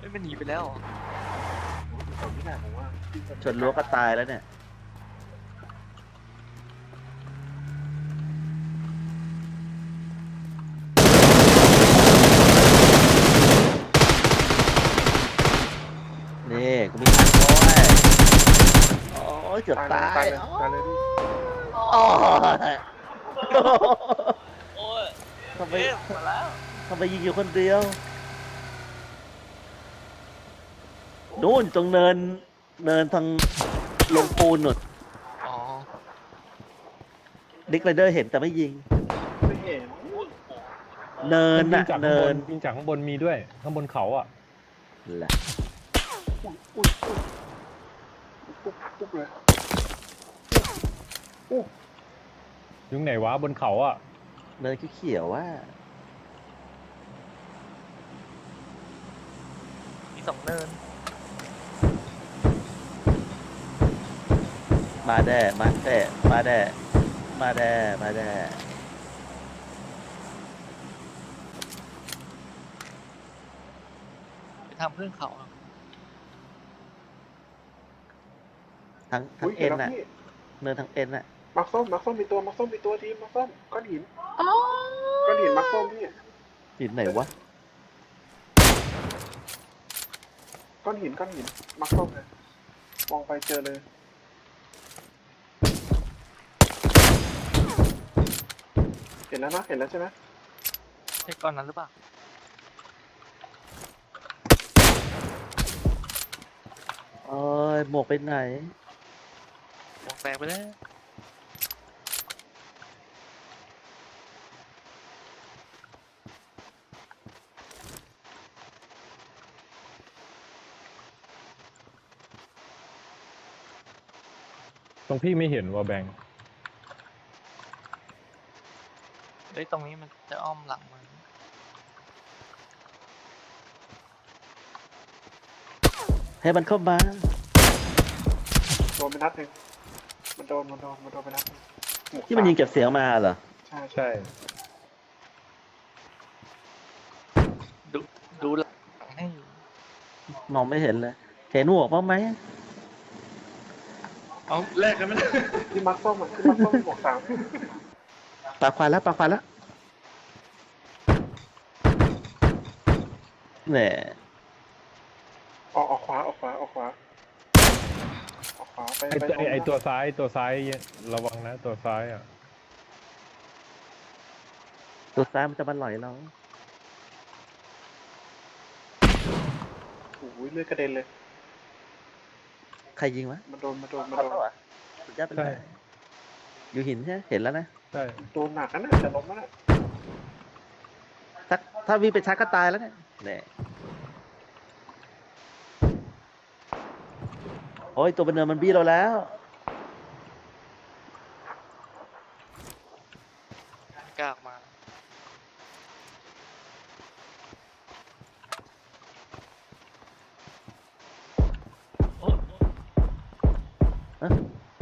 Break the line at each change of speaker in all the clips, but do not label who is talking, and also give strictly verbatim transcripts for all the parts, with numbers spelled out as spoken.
ไม่มันหนีไปแล้ว
ผมไม่ได้ผมว่า
ชนรั้วก็ตายแล้วเนี่ยนี่กูมีทางด้วยโอ้ยเกือบตาย
ตายเลยตายเลยพี่
โอ้ย
โอ้ย
ทำไม
เอ๊ะมาแล้ว
ทำไมยิงอยู่คนเดียวนู่นตรงเนินเนินทางลงปูนหนุด
อ๋อ
ดิกไรเดอร์เห็นแต่ไม่ยิง
ไม่เห็น
เนิน
ยิ
น่ะ
งจากข้าง
เนิ
บ
น
นยิงจากข้างบนมีด้วยข้างบนเขาอ่ะ
แหละ
อุ้ยอุ้ยอุ้ยปุ๊บปุ๊บเลยอู้
ยุงไหนวะบนเขาอ่ะ
เนินเขียวๆว่า
มีสองเนิน
มาแด่มาแด่มาแด่มาแด่มาแด่
ไปทำเพื่อนเขาอะ
ทั้งทั้
อุ้
ง
ย
เอ็
เห็น
น
แล้ว
น่ะ
พี่
เนินทั้งเอ็นน่ะ
มักส้มมักส้มมีตัวมักส้มมีตัวทีมมักส้มก้อนหินก้อนหินมักส้มพี่
หินไหนวะ
ก้อนหินก้อนหินมักส้มเลยมองไปเจอเลยเห็นแล้วนะเห็นแล้วใช่ไหม
ใช่ก้อนนั้นหรือเปล่า
โอ้ยหมวกไปไหน
มองแตกไปแล้ว
ตรงพี่ไม่เห็นว่าแบงค์
เฮ้ยตรงนี้มันจะอ้อมหลังมัน
ให้มันเข้ามา
โดนไปนัดหนึ่งมันโดนมันโดนมันโดนไปนัดหนึ่งหวก
ที่มันยิง
สา
เก็บเสียงมาเหรอ
ใช่ใช่
ใช่
ดูดูหลังให้อยู่
มองไม่เห็นเลย เห็นหมวกบ้างไหม
เอาแลกกันไหม
ที่มักส้มอ่ะที่มักส้มหมวกสาม
ปากควายแล้วปากควายแล้วเนี่ย
ออกออกขวาออกขวาออกขวาออกขวาไป
ไอ
ไป
ตัวไอ้ไอตัวซ้ายตัวซ้ายระวังนะตัวซ้ายอ่ะ
ตัวซ้ายมันจะมาหล่อยเรา
โอ้ยเลือดกระเด็นเลย
ใครยิงวะ
มันโดนมันโดนมัน
เขา
โดน
ตัวอ่ะสุดยอดไปเลยอยู่หินใช่ไหมเห็นแล้วนะ
ใช่
โดนหนักนั่นน่ะจะล้มแล้วน่ะ
ถ้าถ้าวิ่งไปชักก็ตายแล้วเนี่ยเนี่ยโอ้ยตัวเป็นเนินมันบี้เราแล้ว
กล้าออกมาโอ้โอ้
ฮะ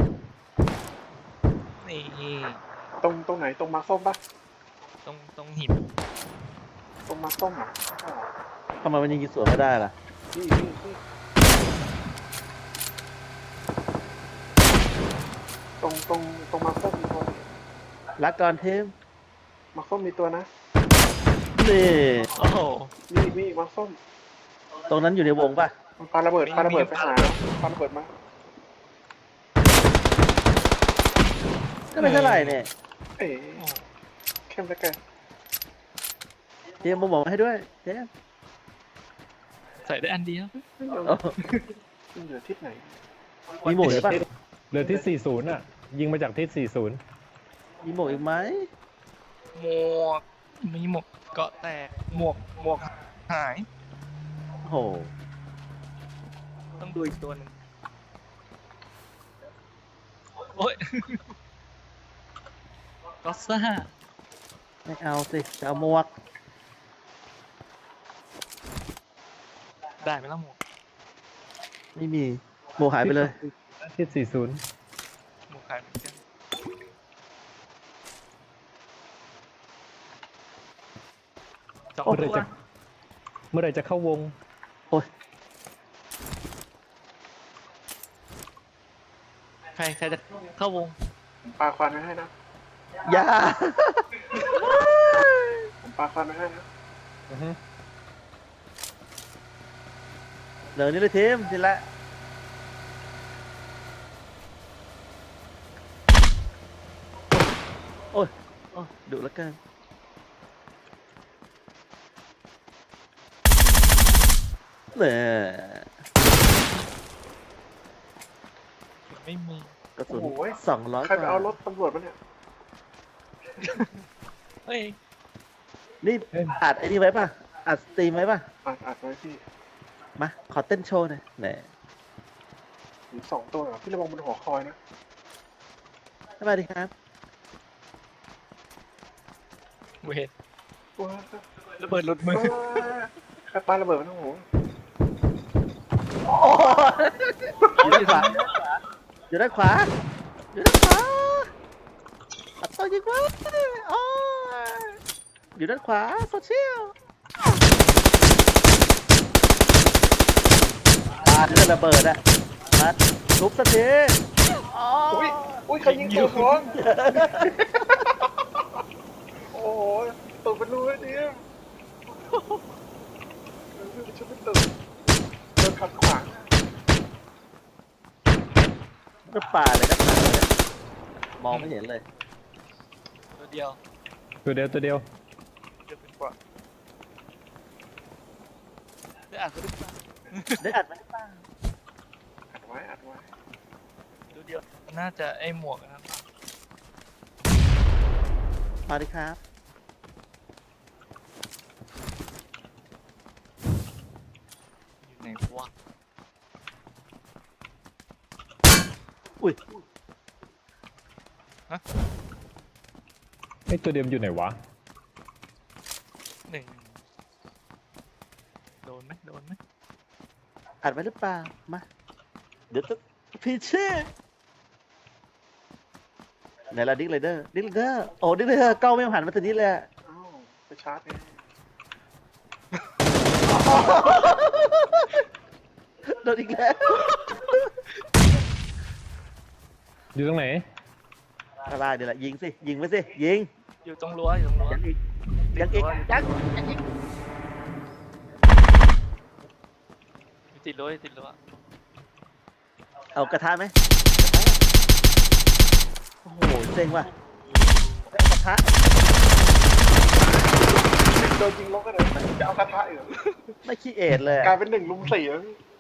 นี่
ตรงตรงไหนตรงมาร์คส้มปะ
ตรงตรงหิน
ตรงมาร์คส้มเหรออ๋อ
ทำไมมันยิงสวนไม่ได้ล่ะ
นี่นี่นี่ตรงตรงตรงมาร์คส้มมีตัว
รักก่อนเทม
มาร์คส้มมีตัวนะ
นี่
โอ้โห
มีมีมาร์คส้ม
ตรงนั้นอยู่ในวงป่ะ
มันปาระเบิด
มี
ปาระเบิด
มี
ไปหาปาระเบิดมา
ก็ไม่เท่าไหร่เนี่ย
เอ๋
โอ้
เข้มเหลือเกิน
เทมมาบอกมาให้ด้วยเทม
ใส่ได้อันเดียว
โอ้
มันเหลือทิศไหน
มีหมวกอีกป่ะ
เหลือที่สี่สิบอ่ะยิงมาจากที่สี่สิบ
มีหมวกอีกไหม
หมวกมีหมวกเกาะแตกหมวกหมวกหาย
โอ้โห
ต้องดูอีกตัวหนึ่งโอ้ย ก็ซ่า
ไม่เอาสิจะเอาหมวก
ได้ไหมล่ะหมวก
ไม่มีหมวกหายไปเลย
ที่สี่สิบ
หมวกหายเหมือนกัน สอง
เมื่อไหร
ตัว
จะเมื่อไหรจะเข้าวง
อ้ย
ใครใครจะเข้าวง
ผมปาควันไว้ให้นะ
อย่า
ผมปาควันไว้ให้นะ
อือฮึ
เดี๋ยวนี้เลยทีมทีละโอ้ยโอ้ยดุแล้วกันเนี่ย
ไม่มี
กระสุน
โอ้โห
สองร้อย
ใคร
ก
ไป
ว่า
เอารถตำรวจมาเนี่ย
เฮ้ย
นี่อัดไอ้นี่ไว้ป่ะ อัดสตรีมไว้ป่ะ
อัดอัดไว้พี่
มา ขอเต้นโชว์หน่อยแหน
มีสองตัวเหรอพี่ระวังบนหัวคอยนะ
สวัสดีครับ
เวท
ว้า
ระเบิดรถมือ
ใครปาระเบิดมันโอ้โห
อยู่ด้านขวา อยู่ด้านขวา อยู่ด้านขวาอัดตัวยิงวะโอ้ยอยู่ด้านขวาโซเชียลปาเรื่องระเบิดอะมาทุบสักทีอ๋อ
อุ้ยอุ้ยใครยิงตัวท้องโอ้โหตกเป็นรูเลยเนี่ยฉันไม่ตื่นโดนขัดขวาง
ก็ป่าเลยก็ป่าเลยมองไม่เห็นเลย
ตัวเดียว
ตัวเดียวตัวเดียว
เดียวเป็นกว่าได้อ่านเขาหรือเปล่า
ได้อัดไหมป้า
อัดไว้อัดไว้
ตัวเดียวน่าจะไอหมวกนะครับ
มาดิครับ
อยู่ไหนวะ
อุ้ย
ไอ้ตัวเดียวอยู่ไหนวะ
หนึ่งโดนไหมโดนไหม
อัดไว้หรือเปล่า มา เดี๋ยวจะพีเช่ไหนละดิ๊กไรเดอร์ ดิ๊กไรเดอร์ โอ้ดิ๊กไรเดอร์กล้องไม่หันมาตัวนี้เลยอะ
อ้าวไปชาร์จเอง
โดนอีกแล้ว
อยู่ตรงไหน
อะไรเดี๋ยวละยิงสิ ยิงไปสิ ยิง
อยู่ตรงรั้วอยู่ตรงรั้ว
ยังอีก ยังอีก ยังยังอีก
อยู่ติดรั้วอยู่ติดรั้ว
เอากระทะไหมโอ้โหเซ็งว่ะได้กระทะ
โดนยิงลงกันเลยจะเอากระทะอีกเหรอ
ไม่ขี้เอดเลย
กลา
อะ
ยเป็นหนึ่งลุมสี่แล้วพี่